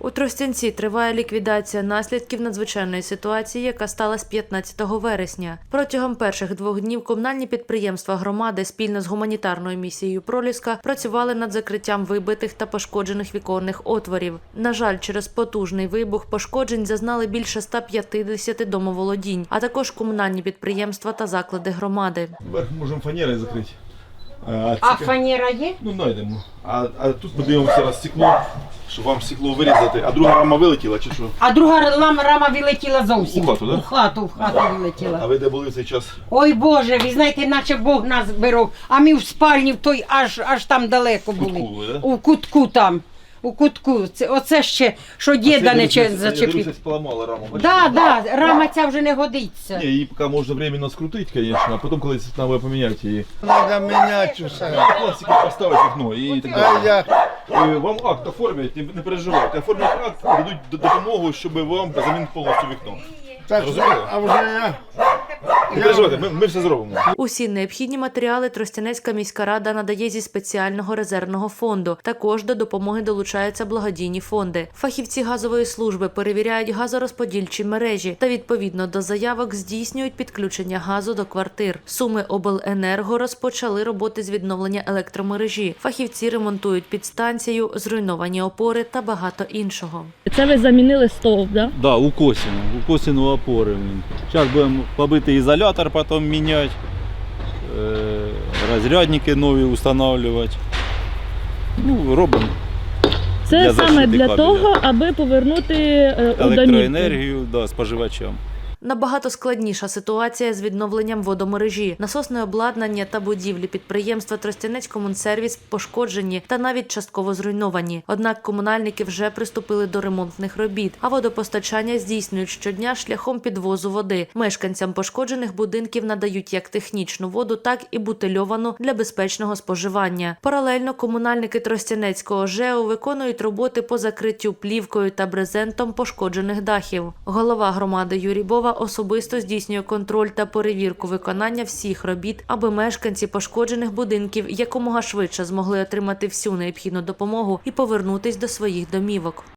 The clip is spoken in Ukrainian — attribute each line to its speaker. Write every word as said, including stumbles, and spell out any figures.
Speaker 1: У Тростянці триває ліквідація наслідків надзвичайної ситуації, яка сталася п'ятнадцятого вересня. Протягом перших двох днів комунальні підприємства громади спільно з гуманітарною місією «Проліска» працювали над закриттям вибитих та пошкоджених віконних отворів. На жаль, через потужний вибух пошкоджень зазнали більше ста п'ятдесяти домоволодінь, а також комунальні підприємства та заклади громади.
Speaker 2: Верх можемо фанерою закрити.
Speaker 3: А, а фанера є?
Speaker 2: Ну, знайдемо. А, а тут подивимося раз стекло, щоб вам стекло вирізати. А друга рама вилетіла чи що?
Speaker 3: А друга рама, рама вилетіла зовсім.
Speaker 2: У хату, да?
Speaker 3: У хату, в хату
Speaker 2: А
Speaker 3: вилетіла.
Speaker 2: ви де були в цей час?
Speaker 3: Ой Боже, ви знаєте, наче Бог нас беров. А ми в спальні в той аж, аж там далеко були.
Speaker 2: Кутку ви, да?
Speaker 3: У кутку там. У кутку. Це, оце ще, що діда не че- зачепив.
Speaker 2: Я поламала раму. бачите?
Speaker 3: Да, да, рама ця вже не годиться.
Speaker 2: Ні, її поки можна временно скрутити, звісно, а потім колись треба поміняти її.
Speaker 4: Надо менять усе.
Speaker 2: Пластики поставити вікно і так
Speaker 4: А
Speaker 2: далі.
Speaker 4: як?
Speaker 2: Е, Вам акт оформлять, не не переживайте. Оформлять акт, дадуть д- допомогу, щоб вам замінити повністю вікно.
Speaker 4: Так,
Speaker 2: Розуміли?
Speaker 4: а вже я.
Speaker 2: Не переживайте, ми, ми все зробимо.
Speaker 1: Усі необхідні матеріали Тростянецька міська рада надає зі спеціального резервного фонду. Також до допомоги долучаються благодійні фонди. Фахівці газової служби перевіряють газорозподільчі мережі та відповідно до заявок здійснюють підключення газу до квартир. Суми обленерго розпочали роботи з відновлення електромережі. Фахівці ремонтують підстанцію, зруйновані опори та багато іншого.
Speaker 5: Це ви замінили стовп, да?
Speaker 6: Да, у Косіну, у Косіну опори. Зараз будемо побити ізолятор, потім міняти, е, розрядники нові встановлювати. Ну, робимо
Speaker 5: Це
Speaker 6: Для
Speaker 5: саме
Speaker 6: защити
Speaker 5: для
Speaker 6: кабеля.
Speaker 5: того, аби повернути е, у домівку.
Speaker 6: електроенергію да, споживачам.
Speaker 1: Набагато складніша ситуація з відновленням водомережі. Насосне обладнання та будівлі підприємства «Тростянецькомунсервіс» пошкоджені та навіть частково зруйновані. Однак комунальники вже приступили до ремонтних робіт, а водопостачання здійснюють щодня шляхом підвозу води. Мешканцям пошкоджених будинків надають як технічну воду, так і бутильовану для безпечного споживання. Паралельно комунальники Тростянецького ЖЕО виконують роботи по закриттю плівкою та брезентом пошкоджених дахів. Голова громади Юрій Бова особисто здійснює контроль та перевірку виконання всіх робіт, аби мешканці пошкоджених будинків якомога швидше змогли отримати всю необхідну допомогу і повернутись до своїх домівок.